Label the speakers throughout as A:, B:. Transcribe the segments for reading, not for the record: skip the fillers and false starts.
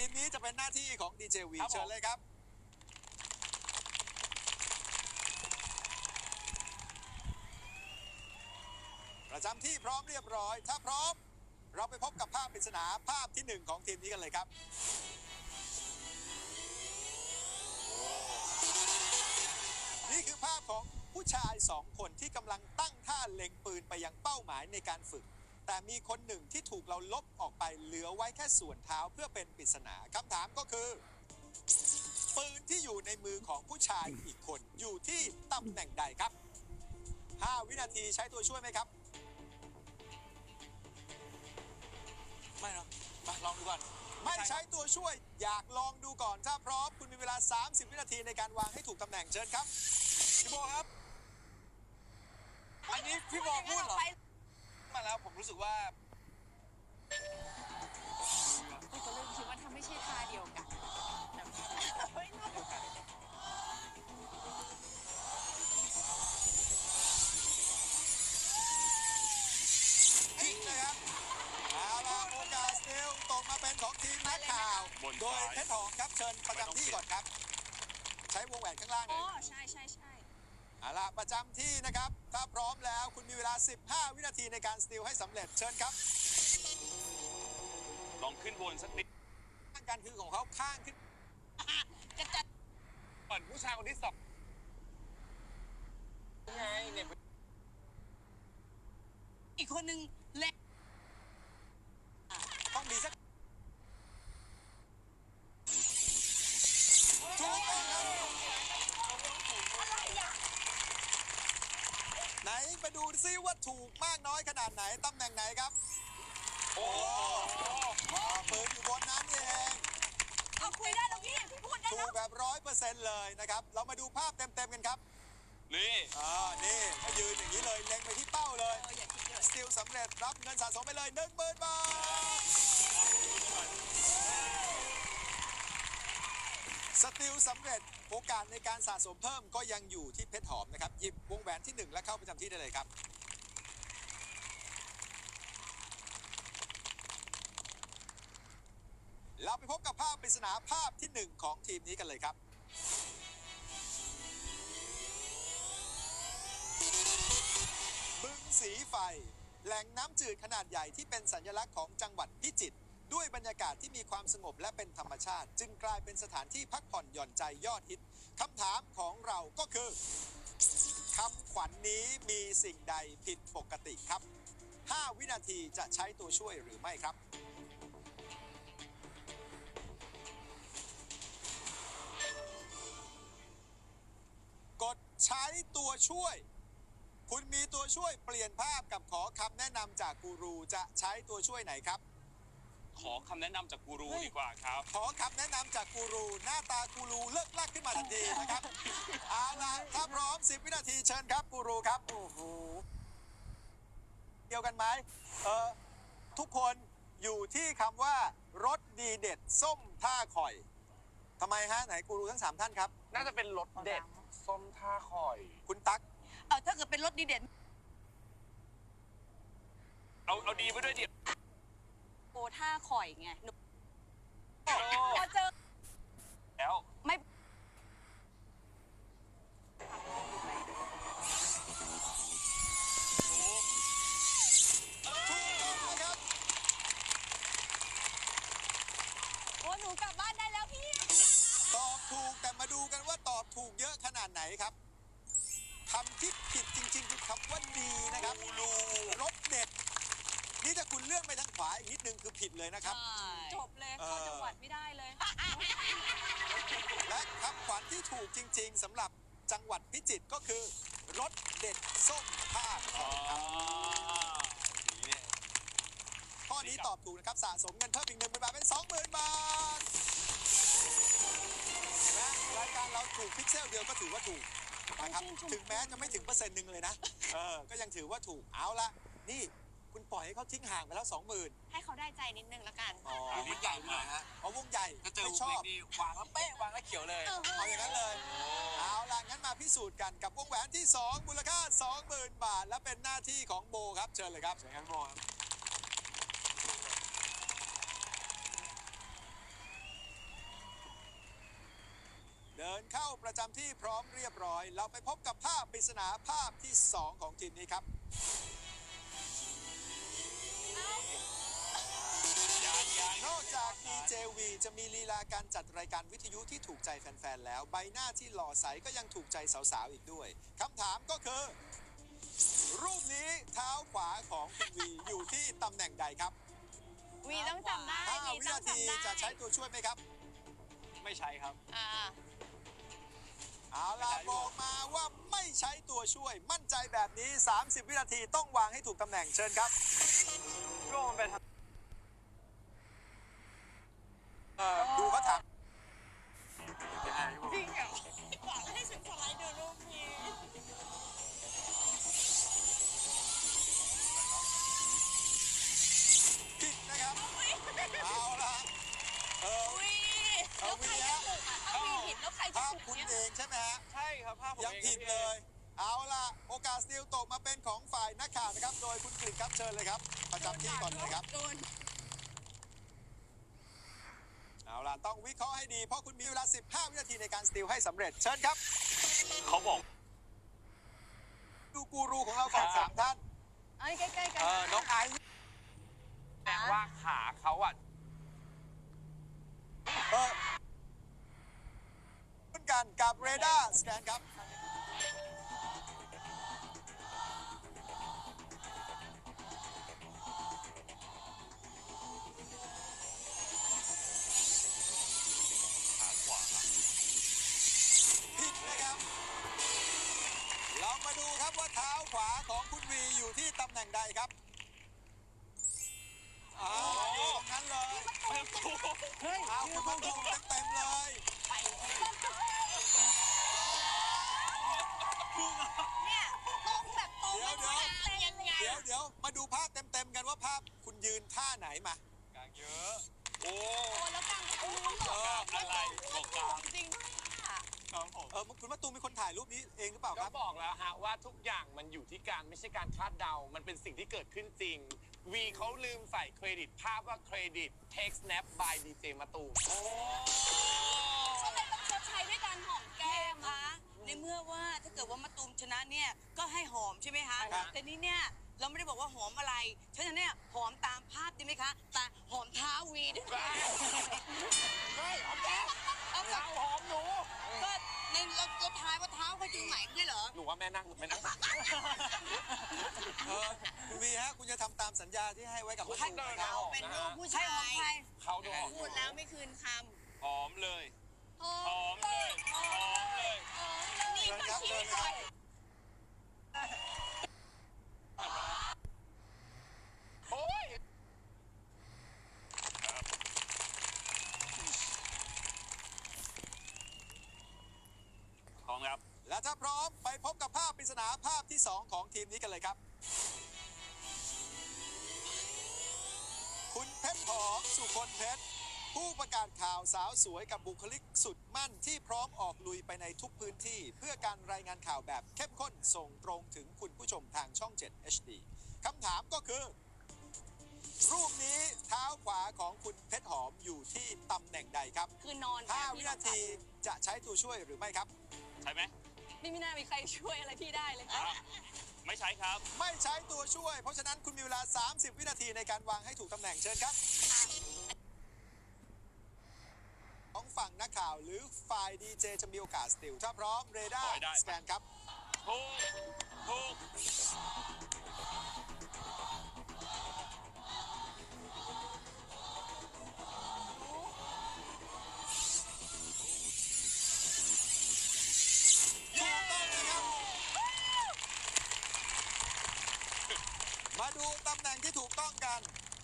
A: มนี้จะเป็นหน้าที่ของดีเจวีเชิญเลยครับประจำที่พร้อมเรียบร้อยถ้าพร้อมเราไปพบกับภาพปริศนาภาพที่1ของทีมนี้กันเลยครับนี่คือภาพของผู้ชาย2 คนที่กำลังตั้งท่าเล็งปืนไปยังเป้าหมายในการฝึกแต่มีคนหนึ่งที่ถูกเราลบออกไปเหลือไว้แค่ส่วนเท้าเพื่อเป็นปริศนาคำถามก็คือปืนที่อยู่ในมือของผู้ชายอีกคนอยู่ที่ตำแหน่งใดครับ5 วินาทีใช้ตัวช่วยไหมครับ
B: ไม่เนาะมาลองดูก่อน
A: ไม่ใช้ตัวช่วยอยากลองดูก่อนถ้าพร้อมคุณมีเวลา30 วินาทีในการวางให้ถูกตำแหน่งเชิญครับ
B: พี่โบครับอันนี้พี่โบพูดเหรอมาแล้วผมรู้สึกว่า
C: พี่ก็เริ่มคิดว่าถ้าไม่ใช่ท่าเดียวกัน
A: ผิดนะครับเอาล่ะโอกาสเร็วตกมาเป็นของทีมนักข่าวโดยเพชรหอมครับเชิญประจำที่ก่อนครับใช้วงแหวนข้างล่างเลย
C: ใช่
A: เอาล่ะประจำที่นะครับถ้าพร้อมแล้วคุณมีเวลา15 วินาทีในการสติลให้สำเร็จเชิญครับ
B: ลองขึ้นบนสักนิด
A: การคือของเขาข้างขึ้น
C: จะจัด
B: ก่อนผู้ชายคนที่2ไงเนี่ย
C: อีกคนนึงเล็ก
A: ต้องมีสักถูกต้องครับไหนมาดูซิว่าถูกมากน้อยขนาดไหนตำแหน่งไหนครับโอ้เปิดอยู่บนนั้นเอง
C: เอาคุยได้แล้วพี่พูดได้
A: ถู
C: แล้ว
A: กแบบ100%เลยนะครับเรามาดูภาพเต็มๆกันครับ
B: นี่
A: นี่ก็ยืนอย่างนี้เลยเล็งไปที่เป้าเลยสติลสำเร็จรับเงินสะสมไปเลย 10,000 บาทสติลสำเร็จโอกาสในการสะสมเพิ่มก็ยังอยู่ที่เพชรหอมนะครับหยิบวงแหวนที่1และเข้าประจำที่ได้เลยครับเราไปพบกับภาพปริศนาภาพที่1ของทีมนี้กันเลยครับบึงสีไฟแหล่งน้ำจืดขนาดใหญ่ที่เป็นสัญลักษณ์ของจังหวัดพิจิตรด้วยบรรยากาศที่มีความสงบและเป็นธรรมชาติจึงกลายเป็นสถานที่พักผ่อนหย่อนใจยอดฮิตคำถามของเราก็คือคำขวัญ นี้มีสิ่งใดผิดปกติครับ5 วินาทีจะใช้ตัวช่วยหรือไม่ครับกดใช้ตัวช่วยคุณมีตัวช่วยเปลี่ยนภาพกับขอคำแนะนำจากกูรูจะใช้ตัวช่วยไหนครับ
B: ขอคำแนะนำจากกูรูดีกว่าครับ
A: ขอคำแนะนำจากกูรูหน้าตากูรูเลิกลักขึ้นมาทันทีนะครับเอาล่ะถ้าพร้อม10 วินาทีเชิญครับกูรูครับโอ้โหเดียวกันไหมทุกคนอยู่ที่คำว่ารสดีเด็ดส้มท่าข่อยทำไมฮะไหนกูรูทั้ง3ท่านครับ
B: น่าจะเป็นรสเด็ดส้มท่าข่อย
A: คุณตั๊ก
C: ถ้าเกิดเป็นรสดีเด่น
B: เอาดีไปด้วยดิ
C: โอ้ท่าข่อยไงพอเจอ
B: แล้ว
C: ไม่โอ้หนูกลับบ้านได้แล้วพี่
A: ตอบถูกแต่มาดูกันว่าตอบถูกเยอะขนาดไหนครับคำที่ผิดจริงๆคือคำว่าดีนะครับรสเด็ดนี่ถ้าคุณเลื่อนไปทางขวาอีกนิดนึงคือผิดเลยนะครับ
C: จบเลยเข้าจังหวัดไม่ได้เลย
A: และคำขวัญที่ถูกจริงๆสำหรับจังหวัดพิจิตรก็คือรสเด็ดส้มท่าข่อยครับข้อนี้ตอบถูกนะครับสะสมเงินเพิ่มอีก10,000 บาทเป็น 20,000 บาทนะรายการเราถูกพิกเซลเดียวก็ถือว่าถูกนะครับถึงแม้จะไม่ถึง%1เลยนะก็ยังถือว่าถูกเอาละนี่คุณปล่อยให้เขาทิ้งห่างไปแล้ว20,000
C: ให้เขาได้ใจนิดนึงละกัน
B: วงใหญ่หน่อยฮะ
A: วงใหญ่
B: ไม่ชอบวางแล้วเป๊ะวางแล้วเขียวเลย
A: เอาอย่างนั้นเลยเอาล่ะงั้นมาพิสูจน์กันกับวงแหวนที่2มูลค่า 20,000 บาทและเป็นหน้าที่ของโบครับเชิญเลยครับ
B: เชิญครับโบ
A: เข้าประจำที่พร้อมเรียบร้อย เราไปพบกับภาพปริศนาภาพที่ 2 ของทีมนี้ครับ นอกจาก DJV จะมีลีลาการจัดรายการวิทยุที่ถูกใจแฟนๆ แล้ว ใบหน้าที่หล่อใสก็ยังถูกใจสาวๆ อีกด้วย คำถามก็คือ รูปนี้เท้าขวาของคุณวีอยู่ที่ตำแหน่งใดครับ
C: วีต้องจำได้
A: 5
C: วี
A: วิ
C: ต้อง
A: นาที
C: จำได้
A: จะใช้ตัวช่วยไหมครับ
B: ไม่ใช่ครับ
C: อ่า
A: เอาล่ะบอกมาว่าไม่ใช้ตัวช่วย มั่นใจแบบนี้ 30 วินาทีต้องวางให้ถูกตำแหน่งเชิญครับ
B: ก็มันเป็น
A: ดูเขาถาม
C: จริงเหรอหวังให้ฉันสไลด์ดูรูปนี้
A: ผิดนะครับ เอาล่ะ
C: วีแล้วใครจะถูกอ่ะถ้าวีผิดแล้วใครจะ
A: ภาพ
C: ถูก
A: คุณ
C: เนี่ย
A: เองใช่ไหมฮะ
B: ใช่ครับภาพผม
A: ยัง
B: เอง
A: ผิดเลย เอาล่ะ โอกาสสติลตกมาเป็นของฝ่ายนักข่าวนะครับ โดยคุณกฤษครับเชิญเลยครับ ประจำที่ก่อนเลยครับ
C: โดน
A: เอาล่ะ ต้องวิเคราะห์ให้ดี เพราะคุณมีเวลา 15 วินาทีในการสติลให้สำเร็จ เชิญครับ
B: เขาบอก
A: ดูกูรูของเราก่อน3ท่าน
C: เอ้ยใกล้ๆกัน
A: น้องไอซ์
B: แปลว่าขาเขาอ่ะ
A: เหมือนกันกับเรดาร์สแกนครับ
B: ขาขวา
A: ผิดนะครับ เรามาดูครับว่าเท้าขวาของคุณวีอยู่ที่ตำแหน่งใดครับอยู่ตรงนั้นเลย เอาคุณมาดูเต็มๆเลย
C: เนี่ยตรงแบบตรง
A: เดี๋ยว
C: เป็นยังไง
A: เดี๋ยวมาดูภาพเต็มๆกันว่าภาพคุณยืนท่าไหนมา
B: กลางเยอะ โอ้
C: โอ้แล้วกลางก็รู้หรอ
B: อะไรบอกกลาง
C: จริงด้วยอ่ะ
B: ครับผม
A: คุณมาตูมเป็นคนถ่ายรูปนี้เองหรือเปล่าค
D: ก็
A: รับ
D: บอกแล้วฮะว่าทุกอย่างมันอยู่ที่การไม่ใช่การคาดเดา มันเป็นสิ่งที่เกิดขึ้นจริง วีเขาลืมใส่เครดิตภาพว่าเครดิต take snap by DJ มาตูม
C: เขาเลยต้องชดใช้ด้วยการหอมแก้มคะในเมื่อว่าถ้าเกิดว่ามะตูมชนะเนี่ยก็ให้หอมใช่ไหมคะ
D: ใช่ครับ
C: แต่นี่เนี่ยเราไม่ได้บอกว่าหอมอะไรฉะนั้นเนี่ยหอมตามภาพดีไหมคะแต่หอมเท้าวีด้วย
D: ไม่หอมแก้ม
C: เอากับ
D: หอมหนู
C: ก็ในเราทายว่าเท้าเขาอยู่ไหนไม่ใช่เหรอ
D: หนูว่าแม่นั่งแม่นั่ง
A: คุณวีฮะ คุณจะทำตามสัญญาที่ให้ไว้กับผู้ช
D: ให้
A: ม
D: เดิน
A: นะครับ
D: เอา
C: เป็นลูกผู้ชายหอมใคร
D: เขาดูหอม
C: พูดแล้วไม่คืนค
B: หอมเลย
C: ำ
B: หอมเลยหอมเลย
C: หอมแล้วนี่ก็ชี้ใคร
D: โอ้ย
B: พร้อมครับ
A: และถ้าพร้อมไปพบกับภาพปริศนาภาพที่ 2 ของทีมนี้กันเลยครับ คุณเพชรหอมสุคนเพชร ผู้ประกาศข่าวสาวสวยกับบุคลิกสุดมั่นที่พร้อมออกลุยไปในทุกพื้นที่ เพื่อการรายงานข่าวแบบเข้มข้นส่งตรงถึงคุณผู้ชมทางช่อง 7 HD คำถามก็คือ รูปนี้เท้าขวาของคุณเพชรหอมอยู่ที่ตำแหน่งใดครับ
C: คือนอน
A: 5 วินาทีจะใช้ตัวช่วยหรือไม่ครับ
B: ใช่ไหม
C: ไม่น่ามีใครช่วยอะไรพี่ได้เลย
B: ไม่ใช่ครับ
A: ไม่ใช้ตัวช่วย เพราะฉะนั้นคุณมีเวลา 30 วินาทีในการวางให้ถูกตำแหน่งเชิญครับ ของฝั่งนักข่าวหรือฝ่ายดีเจจะมีโอกาสสติลถ้าพร้อมเรดา
B: ขอ
A: ร์
B: ให้ได้
A: สแกนครับ
B: ถูกถูก
A: ถูกต้องนะครับ มาดูตำแหน่งที่ถูกต้องกัน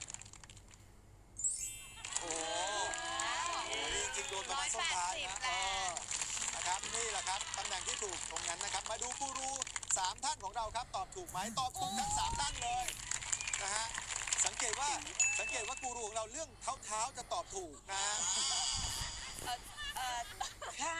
A: โอ้โหนี่จริงโดนประมาณส้นท้ายนะนะครับ นี่แหละครับตำแหน่งที่ถูกตรงนั้นนะครับ มาดูกูรู3 ท่านของเราครับ ตอบถูกไหมตอบถูกทั้ง3ท่านเลยนะฮะ สังเกตว่ากูรูของเราเรื่องเท้าจะตอบถูกนะฮะ
C: ค่ะ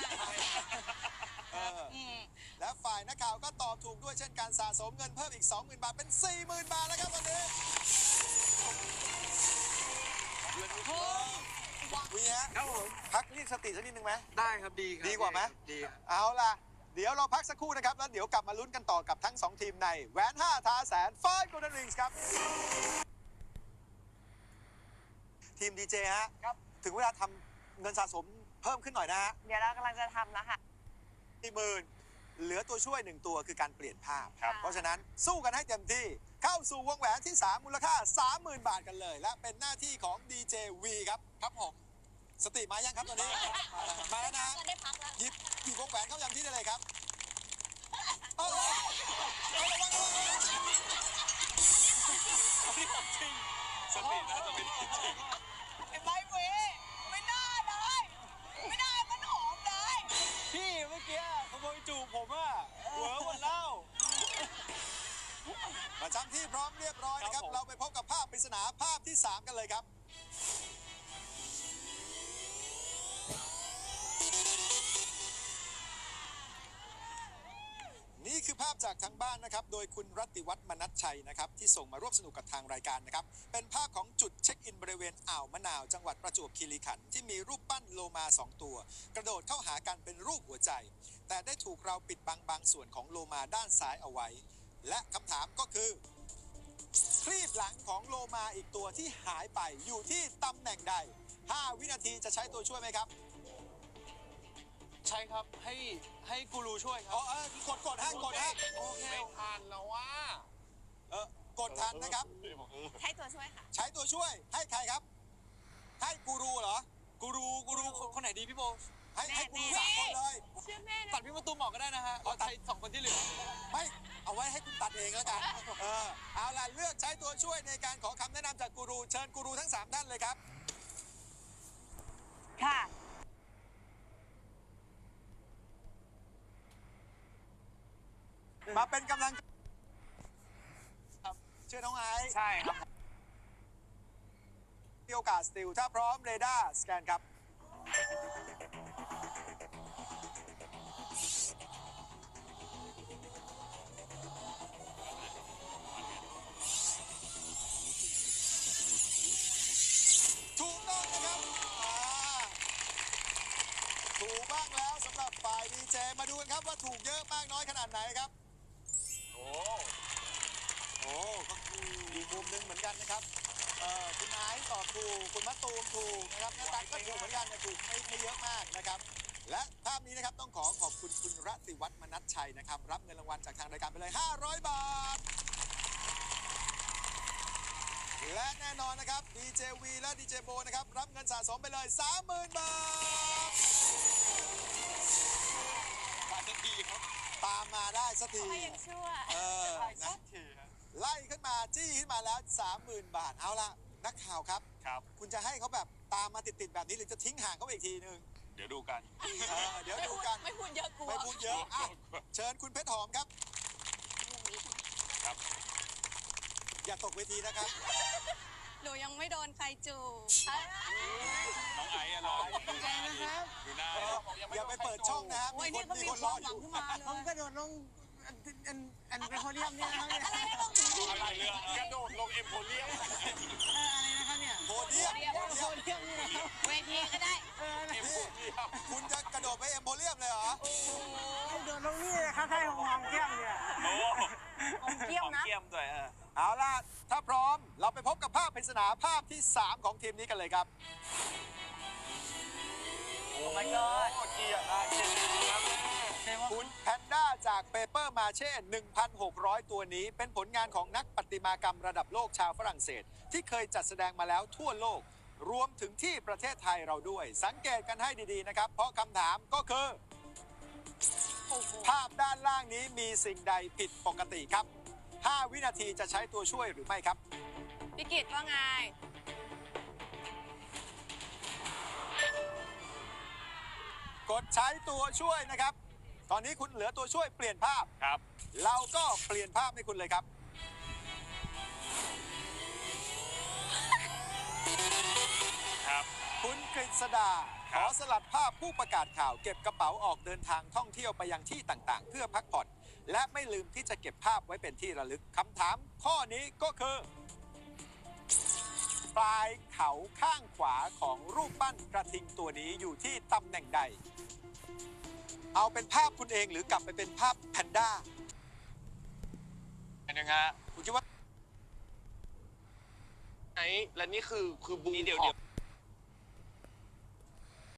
A: และฝ่ายนักข่าวก็ตอบถูกด้วยเช่นการสะสมเงินเพิ่มอีก 20,000 บาทเป็น 40,000 บาทแล้วครับวันนี้วีมีฮะ
E: ครับผม
A: พักเรียกสติสักนิดนึงไหม
E: ได้ครับดีครับ
A: ดีกว่าไหม
E: ดีครับ
A: เอาล่ะ เดี๋ยวเราพักสักครู่นะครับ แล้วเดี๋ยวกลับมาลุ้นกันต่อกับทั้ง 2 ทีมในแหวน 5 ท้าแสน5 Golden Rings ครับ ทีมดีเจฮะ
E: ครับ
A: ถึงเวลาทำเงินสะสมเพิ่มขึ้นหน่อยนะฮะ
F: เดี๋ยวเรากำลังจะทำแล้วค่ะ
A: 40,000เหลือตัวช่วย 1 ตัวคือการเปลี่ยนภาพ
F: ครับ
A: เพราะฉะนั้นสู้กันให้เต็มที่เข้าสู่วงแหวนที่ 3 มูลค่า 30,000 บาทกันเลย และเป็นหน้าที่ของดีเจวีครับ ครับผม สติมายังครับตอนนี้ มาแล้วนะฮะ
C: ก็ได้พักแล้ว
A: หยิบวงแหวนเข้ายังที่ได้เลยครับเอาระวังระวัง
B: ที่ผมจริงสตินะสติจริง
C: ไอ้ใบเวไม่น่าเลย ไม่น่ามันหอมเลย
E: พี่เมื่อกี้ขโมยจูบผมอะเหวอหมดแล้ว
A: ประจำที่พร้อมเรียบร้อยนะครับ
E: ครับผม
A: เราไปพบกับภาพปริศนาภาพที่ 3 กันเลยครับ นี่คือภาพจากทางบ้านนะครับ โดยคุณรัตติวัฒน์มนัสชัยนะครับ ที่ส่งมาร่วมสนุกกับทางรายการนะครับ เป็นภาพของจุดเช็คอินบริเวณอ่าวมะนาว จังหวัดประจวบคีรีขันธ์ที่มีรูปปั้นโลมา 2 ตัว กระโดดเข้าหากันเป็นรูปหัวใจ แต่ได้ถูกเราปิดบังบางส่วนของโลมาด้านซ้ายเอาไว้ และคำถามก็คือ คลีบหลังของโลมาอีกตัวที่หายไปอยู่ที่ตำแหน่งใด 5 วินาทีจะใช้ตัวช่วยไหมครับ
E: ใช่ครับให้กูรูช่วยค
A: อ๋
E: รั
A: อบกดฮะกดฮะ
E: โอเค
D: ไม่ทันแล้วว่า
A: กดทันนะครับ
F: ให้ตัวช่วยค่ะ
A: ใช้ตัวช่วยให้ใครครับ ให้กูรูเหรอ
E: กูรูคนไหนดีพี่โบ
A: ให้กูรูสามคนเลย
F: เชื่อแม่นะ
E: ตัดพี่มาตูมออกก็ได้นะฮะเราใช้2 คนที่เหลือ
A: ไม่เอาไว้ให้คุณตัดเองแล้วกันเอาล่ะเลือกใช้ตัวช่วยในการขอคำแนะนำจากกูรูเชิญกูรูทั้ง 3 ท่านเลยครับ
F: ค่ะ
A: มาเป็นกำลังครับเชื่อน้องไอซ์
D: ใช่ครับ
A: มีโอกาสสติลถ้าพร้อมเรดาร์สแกนครับ ถูกต้องนะครับถูกบ้างแล้วสำหรับฝ่ายดีเจมาดูกันครับว่าถูกเยอะมากน้อยขนาดไหนครับ
B: โอ้
A: โอ้ก็คืออีกมุมหนึ่งเหมือนกันนะครับคุณไอซ์ตอบถูกคุณมะตูมถูกนะครับหน้าตาก็ถูกเหมือนกันแต่ถูกไม่เยอะมากนะครับ และภาพนี้นะครับต้องขอบคุณคุณรัตติวัฒน์มนัสชัยนะครับ รับเงินรางวัลจากทางรายการไปเลย 500 บาท และแน่นอนนะครับดีเจวีและดีเจโบนะครับ รับเงินสะสมไปเลย 30,000 บาท
E: มาสักทีครับ
A: ตามมาได้สักที
F: ไม่ยังชั่ว
A: นะ ไล่ขึ้นมาจี้ขึ้นมาแล้ว 30,000 บาท เอาละนักข่าวครับ
B: ครับ
A: คุณจะให้เขาแบบตามมาติดๆแบบนี้หรือจะทิ้งห่างเขาไปอีกทีนึง
B: เดี๋ยวดูกัน
A: เดี๋ยวดูกัน
C: ไม่พูดเยอะกลัว
A: ไม่พูดเยอะอ่ะเชิญคุณเพชรหอมครับ
B: ครับ
A: อย่าตกเวทีนะครับ
C: หนูยังไม่โดนใครจูบ
B: น้องไอ้อะรอดูหน้าดิดูหน้าดิ
A: อย่าไปเปิดช่องนะฮะ
C: โอ้ย
A: มี
C: นี่ก็
A: มี
C: มี
A: คน
C: ค
A: ร
C: วา
A: อ
C: ม
A: อ
C: หวัง
A: ยู่
C: ขึ้นมาเลย
E: ผมกระโดดลงอันเป็นโพเดียมเนี่ยนะครับเนี่ย
C: อะไรนะต้อง
B: อะไรเรื่อง
D: กระโดดลงเอ็มโพเรียม
E: อะไรนะครับเนี่ย
A: โพเดียม
E: โพเดียมนี่นะครับ
C: เวทีก็ได้
A: นี่คุณจะกระโดดไปเอ็มโพเรียมเลยเหรอ
E: กระโดดลงนี่นะครับใช่ของหอมแก้มเนี่ย
B: โอ้
F: ผมเกี้ยวนะ
B: เกี่ยมด้วย
A: เอาล่ะ ถ้าพร้อมเราไปพบกับภาพปริศนาภาพที่ 3 ของทีมนี้กันเลยครับ
F: โอ้ my god
D: เกียร์ได้เกียร์
A: คุณแพนด้าจากเปเปอร์มาเช่ 1,600 ตัวนี้ เป็นผลงานของนักประติมากรรมระดับโลกชาวฝรั่งเศส ที่เคยจัดแสดงมาแล้วทั่วโลก รวมถึงที่ประเทศไทยเราด้วย สังเกตกันให้ดีๆนะครับ เพราะคำถามก็คือ ภาพด้านล่างนี้มีสิ่งใดผิดปกติครับ 5 วินาทีจะใช้ตัวช่วยหรือไม่ครับ
F: พี่กิตว่าไง
A: กดใช้ตัวช่วยนะครับ ตอนนี้คุณเหลือตัวช่วยเปลี่ยนภาพ
B: ครับ
A: เราก็เปลี่ยนภาพให้คุณเลยครับ
B: ครับ
A: คุณกฤษดา
B: ค
A: ข
B: รับ
A: อสลัดภาพผู้ประกาศข่าวเก็บกระเป๋าออกเดินทางท่องเที่ยวไปยังที่ต่างๆ เพื่อพักผ่อนและไม่ลืมที่จะเก็บภาพไว้เป็นที่ระลึกคำถามข้อนี้ก็คือปลายเขาข้างขวาของรูปปั้นกระทิงตัวนี้อยู่ที่ตำแหน่งใด เอาเป็นภาพคุณเองหรือกลับไปเป็นภาพแพนด้า
B: นะฮะ
A: คุณคิดว่า
D: ไอ้และนี่คือบูม
B: นี่เดี๋ยว
D: ของ